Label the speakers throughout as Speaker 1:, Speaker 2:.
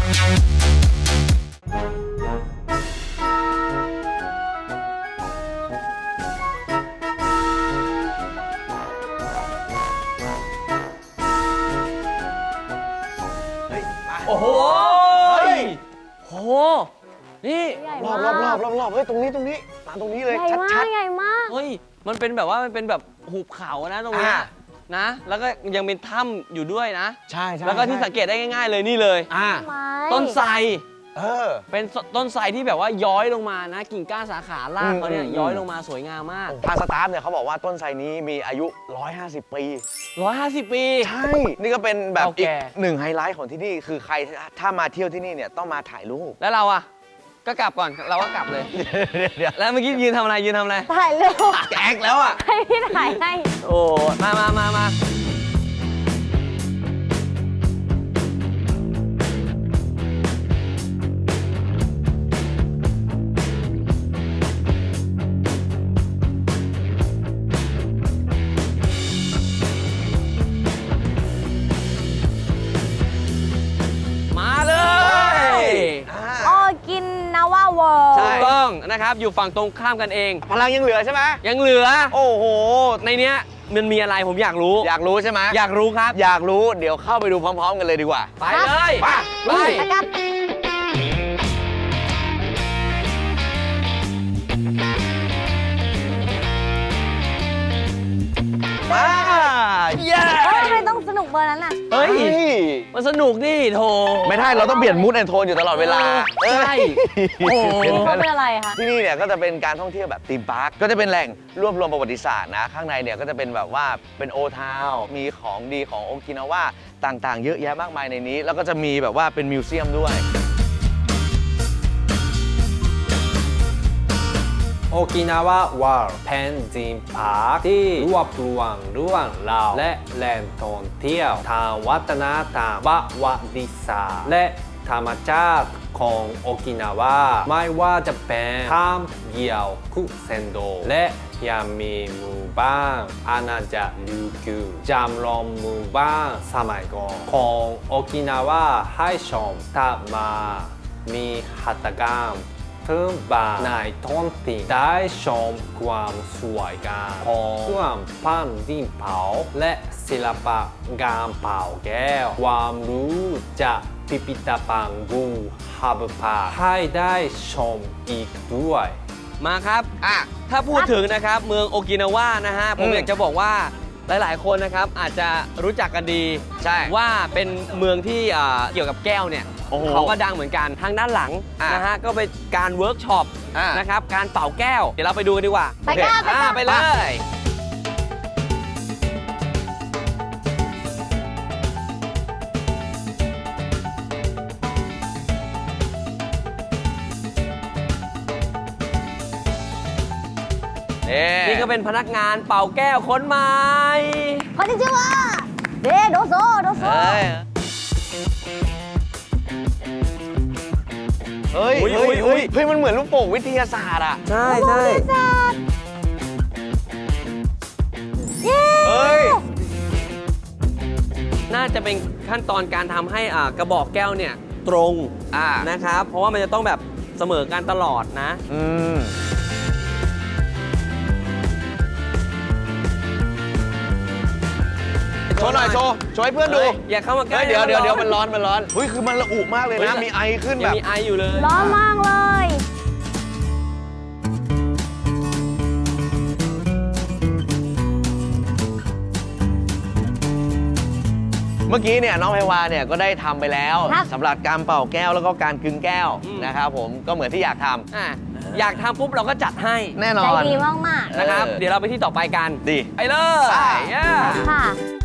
Speaker 1: โอ้โหโอ้โหนี่
Speaker 2: รอบเฮ้ยตรงนี้มาตรงนี้เลยชัด
Speaker 3: ใหญ่มาก
Speaker 1: เฮ้ยมันเป็นแบบว่ามันเป็นแบบหุบเขานะตรงนี้นะแล้วก็ยังเป็นถ้ำอยู่ด้วยนะ
Speaker 2: ใช่
Speaker 1: แล้วก็ที่สังเกตได้ง่ายๆเลยนี่เลยต้นไทรเป็นต้นไทรที่แบบว่าย้อยลงมานะกิ่งก้านสาขารากเขาเนี่ยย้อยลงมาสวยงามมาก
Speaker 2: ทางสตาฟเนี่ยเขาบอกว่าต้นไทรนี้มีอายุ150 ปี
Speaker 1: 150 ปี
Speaker 2: ใช่นี่ก็เป็นแบบอีกหนึ่งไฮไลท์ของที่นี่คือใครถ้ามาเที่ยวที่นี่เนี่ยต้องมาถ่ายรูป
Speaker 1: แล้วเราอะก็กลับก่อนเราก็กลับเลยแล้วเมื่อกี้ยืนทำอะไร
Speaker 3: ถ่ายรูป
Speaker 2: แก๊กแล้วอะ
Speaker 3: ให้พี่ถ่ายให้
Speaker 1: โอ้มาถูกต้องนะครับอยู่ฝั่งตรงข้ามกันเอง
Speaker 2: พลังยังเหลือใช่ไหม
Speaker 1: ยังเหลือ
Speaker 2: โอ้โห
Speaker 1: ในเนี้ยมันมีอะไรผมอยากรู้
Speaker 2: ใช่ไหม
Speaker 1: อยากรู้ครับ
Speaker 2: อยากรู้เดี๋ยวเข้าไปดูพร้อมๆกันเลยดีกว่า
Speaker 1: ไปเลยไป
Speaker 3: เย้ทำไมต้องสนุกเบอร์นั้นน่ะ
Speaker 1: เฮ้ยมันสนุกนี่โถ
Speaker 2: ไม่ได้เราต้องเปลี่ยนมูดแอนโทนอยู่ตลอดเวลา
Speaker 1: ใช่
Speaker 3: โอ้เป็นอะไรคะ
Speaker 2: ที่นี่เนี่ยก็จะเป็นการท่องเที่ยวแบบธีมพาร์คก็จะเป็นแหล่งรวบรวมประวัติศาสตร์นะข้างในเนี่ยก็จะเป็นแบบว่าเป็นโอทาวน์มีของดีของโอกินาวาต่างๆเยอะแยะมากมายในนี้แล้วก็จะมีแบบว่าเป็นมิวเซียมด้วย
Speaker 4: โอกินาวาวอร์เป็นธีมพาร์คที่รวบรวมเรื่องราวและแหล่งท่องเที่ยวทางวัฒนธรรมประวัติศาสตร์และธรรมชาติของโอกินาวาไม่ว่าจะเป็นถ้ำเกี่ยวคุเซนโดและยังมีหมู่บ้านอาณาจักรริวกิวจำลองหมู่บ้านสมัยก่อนของโอกินาวาให้ชมถัดมามีหัตถกรรมพื้นบ้านในท้องถิ่นได้ชมความสวยงามของเครื่องปั้นดินเผาและศิลปะการเผาแก้วความรู้จากพิพิธภัณฑ์บูฮับพาให้ได้ชมอีกด้วย
Speaker 1: มาครับถ้าพูดถึงนะครับเมืองโอกินาวานะฮะผมอยากจะบอกว่าหลายๆคนนะครับอาจจะรู้จักกันดี
Speaker 2: ใช่
Speaker 1: ว่าเป็นเมืองที่เกี่ยวกับแก้วเนี่ยเขาก็ดังเหมือนกันทางด้านหลังนะฮะก็เป็นการเวิร์กช็อปนะครับการเป่าแก้วเดี๋ยวเราไปดูกันดีกว่าไปเลยนี่ก็เป็นพนักงานเป่าแก้วคนใหม่
Speaker 3: คนที่ชื่อว่าโดโซ
Speaker 2: เฮ้ยมันเหมือนลูกโป่งวิทยาศาสตร์อ่ะ
Speaker 1: ใช่
Speaker 3: เฮ้ย
Speaker 1: น่าจะเป็นขั้นตอนการทำให้กระบอกแก้วเนี่ยตรงนะครับเพราะว่ามันจะต้องแบบเสมอกันตลอดนะ
Speaker 2: โชว์หน่อยโชว์ให้เพื่อนดู
Speaker 1: อย่าเข้ามาใกล้
Speaker 2: เดี๋ยวมันร้อนเฮ้ยคือมันระอุมากเลยนะมีไอขึ้นแบบ
Speaker 1: มีไออยู่เลย
Speaker 3: ร้อนมากเลย
Speaker 2: เมื่อกี้เนี่ยน้องไพวาเนี่ยก็ได้ทำไปแล้วสำหรับการเป่าแก้วแล้วก็การกึงแก้วนะครับผมก็เหมือนที่อยากทำ
Speaker 1: อยากทำปุ๊บเราก็จัดให้
Speaker 2: แน่นอน
Speaker 3: ใจดีมาก
Speaker 1: ๆนะครับเดี๋ยวเราไปที่ต่อไปกัน
Speaker 2: ดี
Speaker 1: ไปเลย
Speaker 3: ค่ะ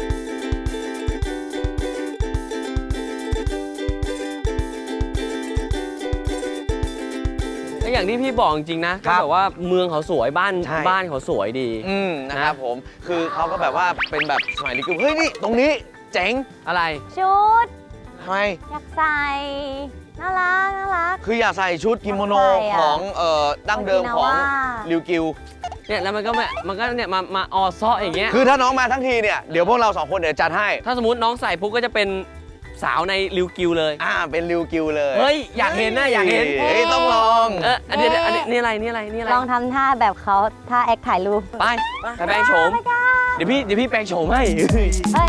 Speaker 1: อย่างที่พี่บอกจริงๆนะแบบว่าเมืองเขาสวยบ้านเขาสวยดี
Speaker 2: นะครับผมคือเขาก็แบบว่าเป็นแบบสมัยนี้คือเฮ้ยนี่ตรงนี้เจ๋ง
Speaker 1: อะไร
Speaker 3: ชุด
Speaker 2: ทำไม
Speaker 3: อยากใส่น่ารัก
Speaker 2: คืออยากใส่ชุดกิโมโนของดั้งเดิมของริวกิว
Speaker 1: เนี่ยแล้วมันก็เนี่ยมาออซ้ออย่างเงี้ย
Speaker 2: คือถ้าน้องมาทั้งทีเนี่ยเดี๋ยวพวกเรา2 คนเดี๋ยวจัดให้
Speaker 1: ถ้าสมมติน้องใส่ปุ๊บก็จะเป็นสาวในริวกิวเลย
Speaker 2: เป็นริวกิวเลย
Speaker 1: เฮ้ย อยากเห็นนะอยากเห็น
Speaker 2: เฮ้ยต้องลอง
Speaker 1: อันนี้นี่อะไรนี่อะไรนี่อะไร
Speaker 3: ลองทำท่าแบบเขาท่าแอคถ่ายรูป
Speaker 1: ไปแปลงโฉม เดี๋ยวพี่แปลงโฉมให้
Speaker 3: เฮ้ย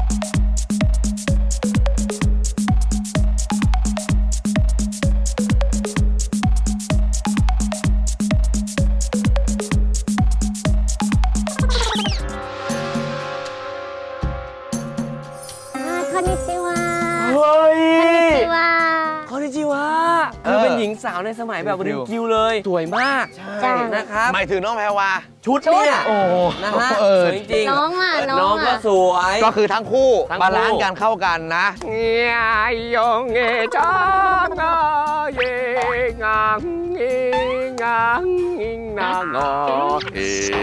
Speaker 3: คอนนิชิวะ
Speaker 1: เฮ้ย
Speaker 3: คอนนิชิวะ
Speaker 1: คอนนิจิวะคือเป็นหญิงสาวในสมัยแบบริวกิวเลย สวยมาก
Speaker 3: จ้ะ
Speaker 1: นะครับ
Speaker 2: หมายถึงน้องแพรวา
Speaker 1: ชุดเนี่ย
Speaker 2: โอ้
Speaker 1: นะฮะสวยจริงๆ
Speaker 3: น้องอ่ะ
Speaker 1: น้องก็สวย
Speaker 2: ก็คือทั้งคู่
Speaker 1: ทั้งคู่
Speaker 2: บาลานซ์กันเข้ากันนะ
Speaker 1: เงียยงเงจังงาเยงังเงงังงิงนางอเฮ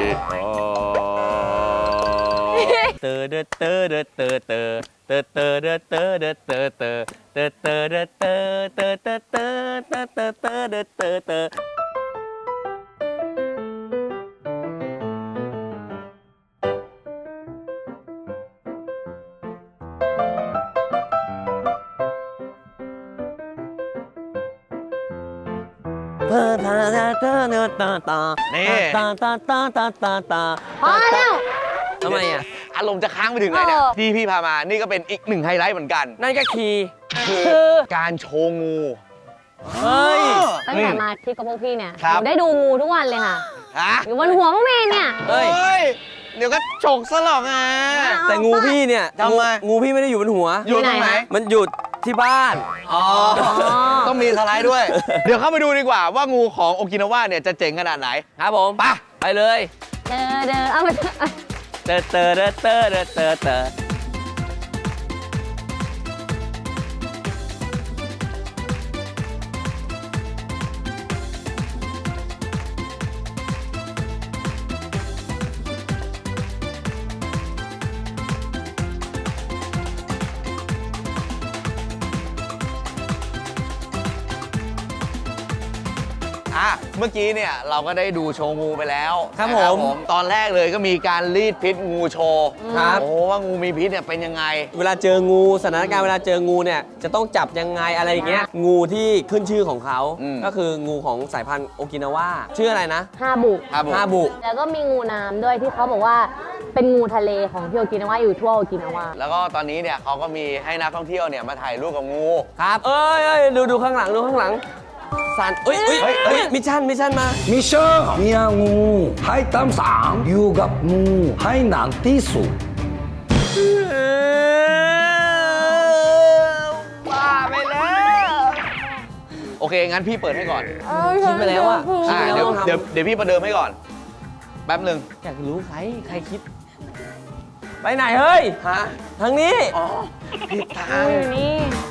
Speaker 1: เตอเดเตอเดเตอเตอเตอเตอเดเตอเดเตอเตอเตอเตอเดเตอเตอเตอเตอเตอเตอเตอเดเตอเตอ
Speaker 2: นี่
Speaker 3: พอแล้ว
Speaker 1: ทำไมอ่ะ
Speaker 2: อารมณ์จะค้างไปถึงไหนเนี่ย ที่พี่พามา นี่ก็เป็นอีกหนึ่งไฮไลท์เหมือนกัน
Speaker 1: นั่นก็คีย์
Speaker 2: คือการโชว์งู
Speaker 1: เฮ้ย
Speaker 3: ตั้งแต่มาที่กับพวกพี่เนี่ย
Speaker 2: ครับ
Speaker 3: หนูได้ดูงูทุกวันเลยค่ะ
Speaker 2: ฮะ
Speaker 3: อยู่บนหัวพวกพี่เนี่ย
Speaker 1: เฮ้ย
Speaker 2: เดี๋ยวก็ฉกซะหรอกอ่ะ
Speaker 1: แต่งูพี่เนี่ย
Speaker 2: ทำไม
Speaker 1: งูพี่ไม่ได้อยู่บนหัว
Speaker 2: อยู่ตรงไหน
Speaker 1: มันอยู่ที่บ้าน
Speaker 2: อ๋อ ต้องมีสไลด์ด้วย เดี๋ยวเข้าไปดูดีกว่าว่างูของโอกินาวาเนี่ยจะเจ๋งขนาดไหน
Speaker 1: ครับผม ไปเลย
Speaker 3: เอามา
Speaker 1: เตอเตอเตอเตอเตอเตอเตอ
Speaker 2: เมื่อกี้เนี่ยเราก็ได้ดูโชว์งูไปแล้ว
Speaker 1: ครับ
Speaker 2: นะ
Speaker 1: ผม
Speaker 2: ตอนแรกเลยก็มีการรีดพิษงูโชว์
Speaker 1: ครับ
Speaker 2: โอ้ว่างูมีพิษเนี่ยเป็นยังไง
Speaker 1: เวลาเจองูสถานการณ์เวลาเจองูเนี่ยจะต้องจับยังไงอะไรอย่างเงี้ยงูที่ขึ้นชื่อของเขา
Speaker 2: อืม
Speaker 1: ก็คืองูของสายพันธุ์โอกินาวาชื่ออะไรนะ
Speaker 3: ฮาบุ
Speaker 2: ครับผม
Speaker 1: ฮาบุ
Speaker 3: แล้วก็มีงูน้ำด้วยที่เขาบอกว่าเป็นงูทะเลของที่โอกินาวาอยู่ทั่วโอกินาวา
Speaker 2: แล้วก็ตอนนี้เนี่ยเขาก็มีให้นักท่องเที่ยวเนี่ยมาถ่ายรูปกับงู
Speaker 1: ครับ เอ้ยดูข้างหลังดูข้างหลังสันเอ้ย
Speaker 2: เฮ้ย
Speaker 1: มิชชั่นมา
Speaker 5: มิชชั่นเมียงูให้ตามสั่งอยู่กับงูให้นานที่สุด
Speaker 1: บ้าไปแล้ว
Speaker 2: โอเค งั้นพี่เปิดให้ก่อน
Speaker 1: คิดไปแล้วอะ
Speaker 2: เดี๋ยวพี่ประเดิมให้ก่อน แป๊บหนึ่ง
Speaker 1: อยากรู้ใครคิด ไปไหนเฮ้ย
Speaker 2: ฮะ
Speaker 1: ทางนี้
Speaker 2: อ๋อผิดทาง
Speaker 3: อยู่นี่